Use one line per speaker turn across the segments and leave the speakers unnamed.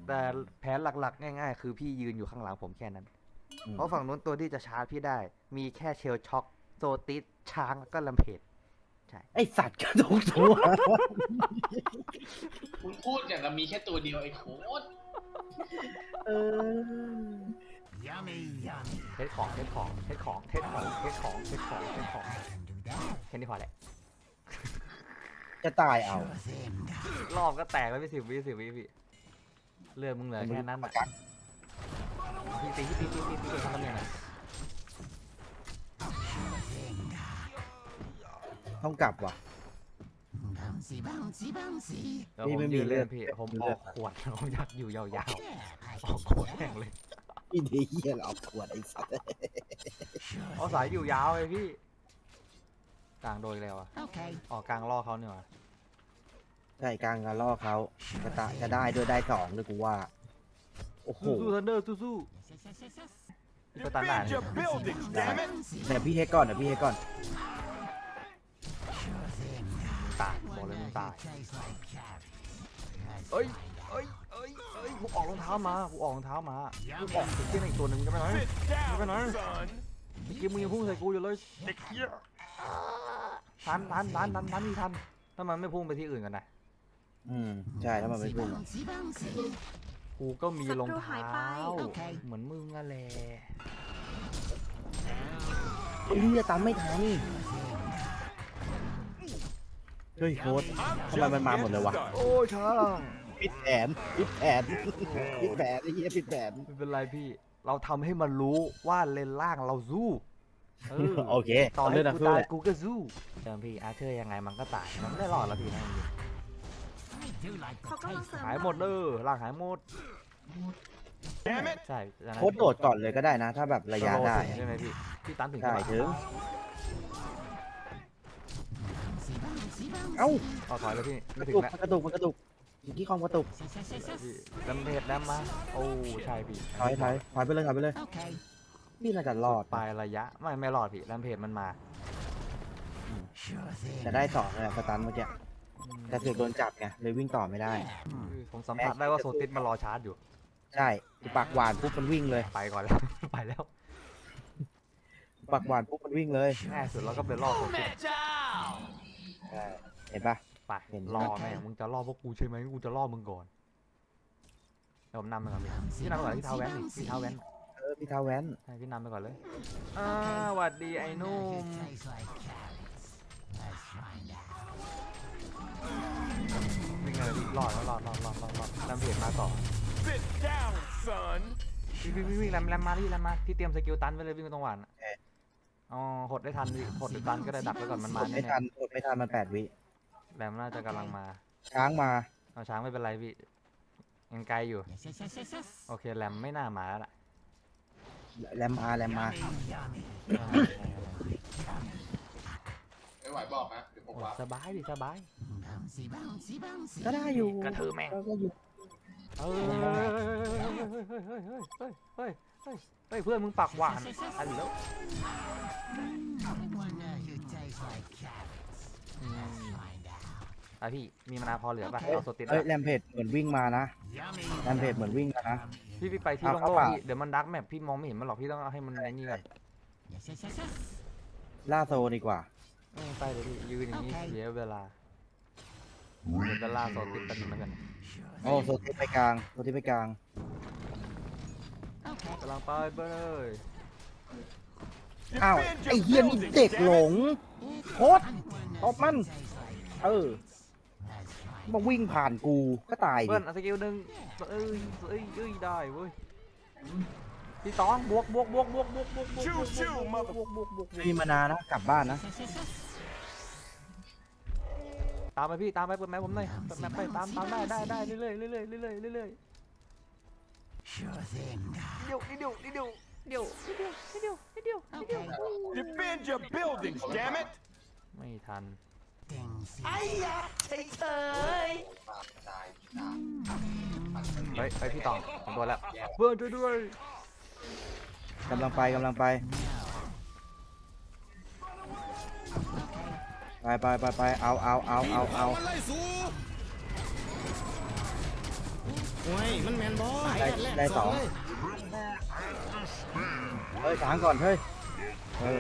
แต่แผนหลักๆง่ายๆคือพี่ยืนอยู่ข้างหลังผมแค่นั้นเพราะฝั่งนู้นตัวที่จะชาร์จพี่ได้มีแค่เชลช็อคโซติสช้างแล้วก็ลัมเพจใช่
ไอสัตว์กระทุกตัว
คุณพูดอย่างกับมีแค่ตัวเดียวไอ้โคตร
เออ
เทสของแค่นี้พอแหละ
จะตายเอา
รอบก็แตกแล้วพี่10 วิพี่เลือดมึงเหลือแค่นั้นอ่ะพี่ตีทำตำแหน่งไหน
ต้องกลับว่ะ
แล้วผมยืนเล่นพี่ผมออกขวดผมอยากอยู่ยาวๆออกขวดแข่งเลย
พี่เดียเราขวดไอ้สัตว์
เอาสายอยู่ยาวเลยพี่กลางโดยแล้วอ่ะออกกลางล่อเขาเนี่ยว่ะ
ใช่กลางการล่อเขาจะได้ด้วยได้2ด้วยกูว่าโอ้โห
สู้ทันเดอร์สู้ก็ตันด่าน
ได้เนี่ยพี่เฮกก่อนเดี๋ยวพี่เฮกก่อน
ตายบอกเลยมึงตายเอ้ยกูออกรองเท้ามากูออกที่ไหนอีกตัวหนึ่งจะไปไหนเมื่อกี้มึงยังพุ่งใส่กูอยู่เลยเด็กเหี้ยทันมีทันถ้ามันไม่พุ่งไปที่อื่นกันนะ
ใช่ถ้ามันไม่พุ่ง
กูก็มีรองเท้าเหมือนมึงอะแหละ
ไอ้เหี้ยตามไม่ทันเฮ้ยโค้ดทำไมมันมาหมดเลยวะ
โอ้ช่าง
ผิดแผนไอ้เหี้ยผิดแผน
ไม่เป็นไรพี่เราทำให้มันรู้ว่าเลนล่างเราสู้
โอเค
ตอน
เล่
เล่
น
น
นะ
กู
คือ
ตายกูก็สู้เดิมพี่อาร์เธอร์ยังไงมันก็ตายมันไม่ได้รอดแล้วพี่นะจริง
เขากำลังเสริม
หายหมดเลยล่างหายหมดใช่
โค้ดโดดก่อนเลยก็ได้นะ ถ้าแบบระยะได้
ใช่ไหมพี่ตันถึง
ได้
จะ
ถึงเอ้า
เอาถอยแล้วพี่ไม่ถึงแล้ว
กระตุกอยู่ที่คอมกระตุก
พี่ลำเพจแล้วมาโอ้ใช่พี่
ถอยไปเลยพี่น่าจะรอด
ปลายระยะไม่รอดพี่ลำเพจมันมา
จะได้2เลยสตันเมื่อกี้แต่เสือกโดนจับไงเลยวิ่งต่อไม่ได้
ผมสัมผัสได้ว่าโซติสมันรอชาร์จอยู่
ใช่ปากหวานปุ๊บมันวิ่งเลย
ไปก่อนแล้ว ไปแล้ว
ปากหวานปุ๊บมันวิ่งเลย
ง่ายสุดแล้วก็เป็นรอโซติส
ใช่เห็นปะ
ไปรอแม่งมึงจะล่อพวกกูใช่ไหมกูจะล่อมึงก่อนเดี๋ยวผมนำไปก่อนพี่นำไปก่อนที่เท้าแว้นพี่เท้าแว้น
พี่เท้าแว้น
ให้พี่นำไปก่อนเลยหวัดดีไอ้นุ่มวิ่งเลยพี่รอดลำเพจมาต่อวิ่งแรมมาพี่เตรียมสกิลตันไว้เลยวิ่งตรงหวานอ๋อหดได้ทันพี่หดหรือตันก็ได้ดักไว้ก่อนมันมา
ไม่
แน่
ทันมัน8 วิ
แรมน่าจะกำลังมา
ช้างมา
เอาช้างไม่เป็นไรพี่ยังไกลอยู่โอเคแรมไม่น่ามาแล้วล่ะ
แรมมา
ไม่ไหวบอกนะเดี๋ยวผมว่า
สบายดิสบาย
ก็ได้อยู่
กระเทือแม่ง
ก็อยู่
เฮ้ยเพื่อนมึงปากหวานอันแล้วพี่มีมนาพอเหลือป่ะเอาโซติส
แรมเพจเหมือนวิ่งมานะแรมเพจเหมือนวิ่งมานะ
พี่ไปที่โล่งๆพี่เดี๋ยวมันดักแมปพี่มองไม่เห็นมันหรอกพี่ต้องเอาให้มันไอ้นี่ก่อน
ล่าโซดีกว่า
ไปเลยพี่ยืนอย่างนี้เสียเวลาเดี๋ยวจะล่าโซติสกันเหมือนกัน
โอ้โซติไปกลาง
กำลังไปเลย
อ้าวไอ้เฮียนี่เด็กหลงโคตรตบมันมาวิ่งผ่านกูก็ตาย
เพื่อนสกิลหนึ่งได้เว้ยพี่ตองบวก
ไม่มีมานานะกลับบ้านนะ
ตามไปพี่ตามไปเปิดแมปผมหน่อยเปิดแมปไปตามได้เรื่อยนิดเดียว
Defend your buildings, damn it!
ไม่ทัน
ตาย
เฮ้ยพี่ตองผมโดนแล้วเพื่อนช่วยด้วย
กำลังไปเอา
โอ้ยมันแมนบอส
ได้สองเฮ้ยช้างก่อนเฮ้ยเออ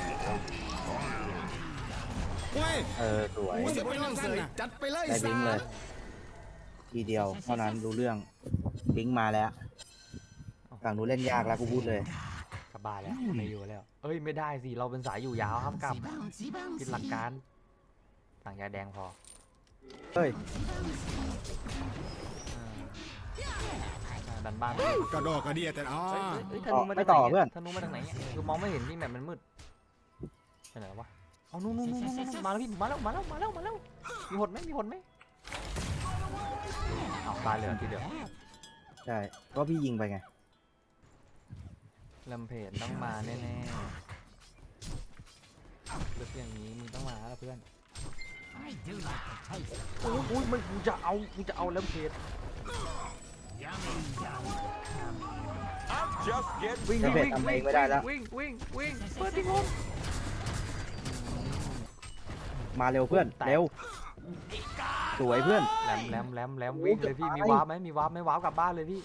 โอ้ย
สวย
กูสิบ่ยอมเสยจัดไปเลย
ได้บิงเลย ทีเดียวเท่านั้นรู้เรื่องบิงมาแล้วฝั่งนู้นเล่นยากแล้วกูพูดเลย
กลับบ้านแล้วไม่อยู่แล้วเอ้ยไม่ได้สิเราเป็นสายอยู่ยาวครับกลับคิดหลักการสั่งยาแดงพอ
เฮ้ย
ดันบ้าน
กระดอกกระเดียแต่อ๋อ
เฮ้ยธนูมา
ไม่
จาก
ต่อ
ไหน
เพื่อน
ธนูมาจากไหนคือมองไม่เห็นพี่แบบมันมืดไปไหนวะเอานู่นมาแล้วพี่มาแล้วมีหดไหมเอาตายเลยทีเดียว
ใช่ก็พี่ยิงไปไง
ลำเพจต้องมาแน่ๆเลือกอย่างนี้มึงต้องมาแล้วเพื่อนโอ้ยมันกูจะเอาลำเพจ
I'm just getting
วิ่ง
ลำเพจทำเองไม่ได้แล้ว
วิ่งเปิดที่งม
มาเร็วเพื่อนเร็วสวยเพื่อน
แหลมวิ่งเลยพี่มีวาร์ปไหมวาร์ปกลับบ้านเลยพี่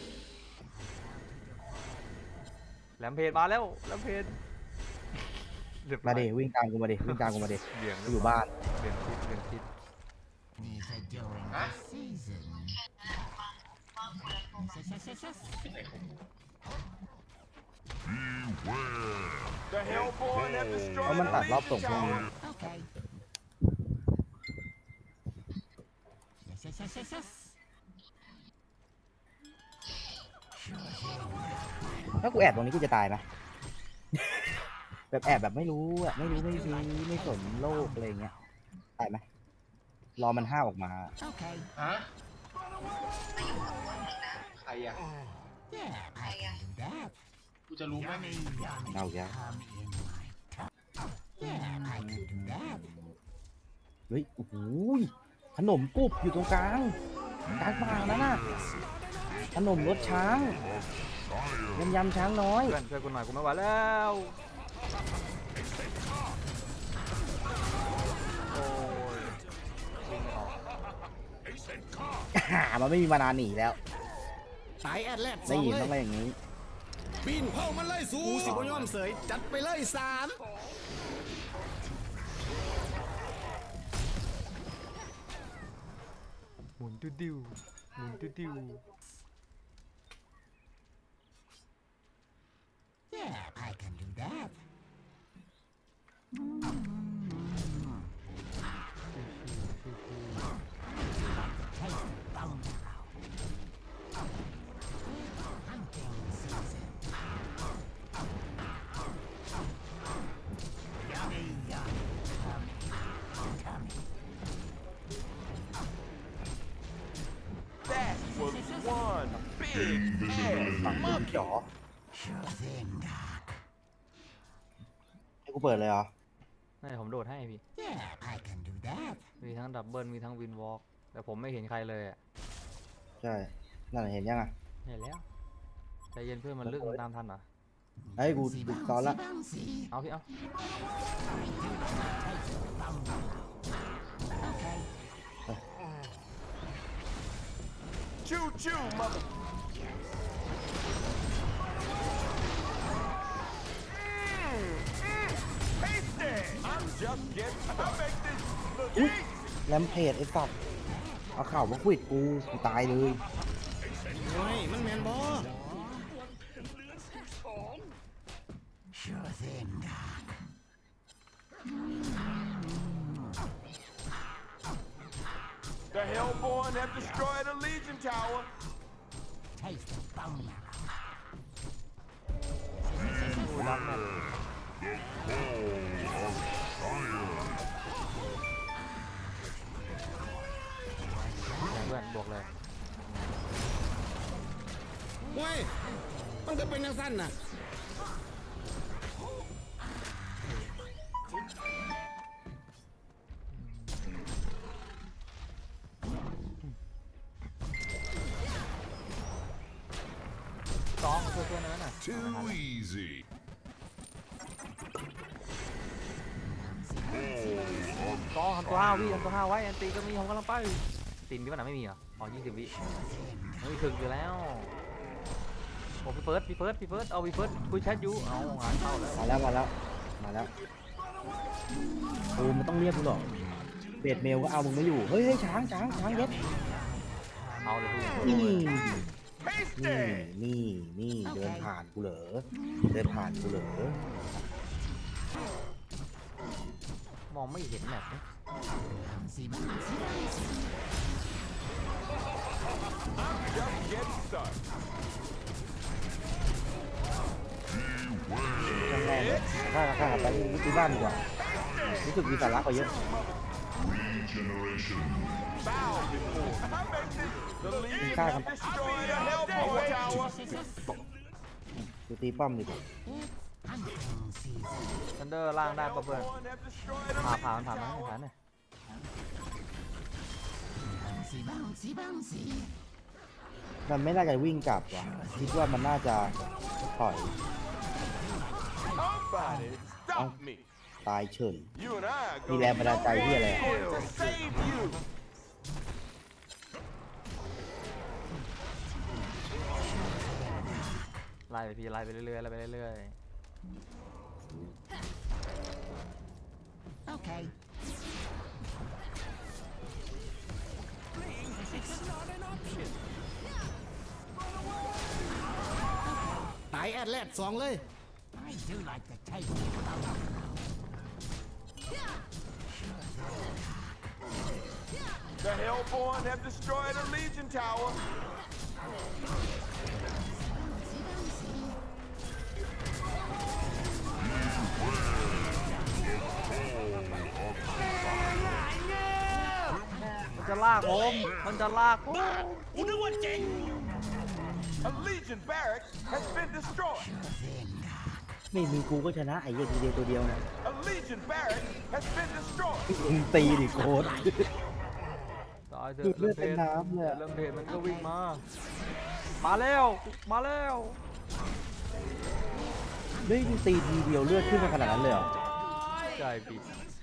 แหลมเพจมาแล้วแหลมเพจ
มาดิวิ่งตามกูมาดิวิ่งตามกูมาดิ
เบี่ยง
กูอยู่บ้าน
เบี่ยงทิศ
ฮะ
the Hellborn have
เพราะ
destroyed
มัน
the
ตัดรอบส่ง
Legion
พวกนี้
Tower.
ถ้ากูแอบตรงนี้กูจะตายไหม แบบแอบแบบไม่รู้อะไม่ซื้อไม่สนโลกอะไรเงี้ยตายไหมรอมันห้าวออกมา
ฮะใครอ่ะกูจะรู้ไหม
เอาแกเฮ้ยโอ้โหขนมกรุบอยู่ตรงกลางป่านั่นน่ะขนมรสช้างยำช้างน้อย
เพื่อนช่วยกูหน่อยกูไม่ไหวแล้วโอ้ยวิ่งไม่ออก
มันไม่มีมานานหนีแล้ว
สายแอดแลดส
ได้
อง
ยิน
เล
ต้อง
ย
ไปอย่างนี้
ปีนเผามันเลยสูกูสิบ่ยอมเสยจัดไปเลยสาม
หมุนติ้ว
That was one big ass
ฝั่งนี้จ๋อให้กูเปิดเลยเหรอ
นี่ผมโดดให้พี่มีทั้งดับเบิลมีทั้งวินวอล์กแต่ผมไม่เห็นใครเลยอ่ะ
ใช่นั่นเห็นยังอ่ะ
เห็นแล้วใจเย็นเพื่อนมันลึกมันตามทันเหรอ
เฮ้ยกูซ้อนละ
เอาพี่เอา
choo choo mother tasty I'm just getting I make this look
อุ๊ย
easy
แรมเพจไอ้สัตว์เอาข่าวมาควิดกูตายเลย
โอ้ยมันแมนบอส
the Hellborn have destroyed a Legion Tower
ดูรักแม่เพื่อนบวกเลย
โอ้ยมันก็เป็นยังสั้นน่ะ
ซ้อมมาช่วยเพื่อนนั้นน่ะ
Too easy.
ซ้อมทำตัวห้าวิทำตัวห้าไว้อันตีก็มีผมกำลังไปตีนพี่มันไม่มีเหรออ๋อ20 วิไม่ถึงอยู่แล้วโอ้พี่เฟิร์สเอาพี่เฟิร์สคุยแชทอยู่เอางานเข้าแล้ว
มาแล้วโอ้มันต้องเรียกกูหรอกเบดเมลก็เอามึงไม่อยู่เฮ้ยช้างเย็ด
เอาเลยพี่
นี่เดินผ่านกูเหรอ
มองไม่เห็นแบบนี้
Just get started.
ช่างแม่งข้าไปที่บ้านดีกว่ารู้สึกมีสาระกว่าเยอะ
Bow before. I mentioned the Legion
Kai
have
không?
destroyed a Hellpower Tower.
ดูตีป้อมดีกว่า
ทันเดอร์ล่างได้ปะเพื่อน
Hellborn have destroyed a
ผ่าน
Legion
มา
Tower.
เนี่ย
มันไม่น่าจะวิ่งกลับว่ะคิดว่ามันน่าจะถอย
Somebody stop me.
ตายเฉย
You and I are
มี
going
แรงบันดาลใจที่อะไรอะ
to save you.
ไล่ไปพี่ไล่ไปเรื่อย
Okay.
ตายแอดแลด2เลย
I do like the taste of
The Hellborn have destroyed a Legion Tower.
มันจะลากผม
A Legion barracks has been destroyed.
ไม่มีกูก็ชนะไอ้เหี้ยทีเดียวตัวเดียวนะ
A Legion barracks has been destroyed.
มึงตีดิโค้ด
ตายเถ
ดู
อะ
ดเลือดเป็นน้ำเลยอะ
เริ่มเพจมันก็วิ่งมาแล้ว
เฮ้ยมึงตีทีเดียวเลือดขึ้นมาขนาดนั้นเลยเหรอ
ใช่พี่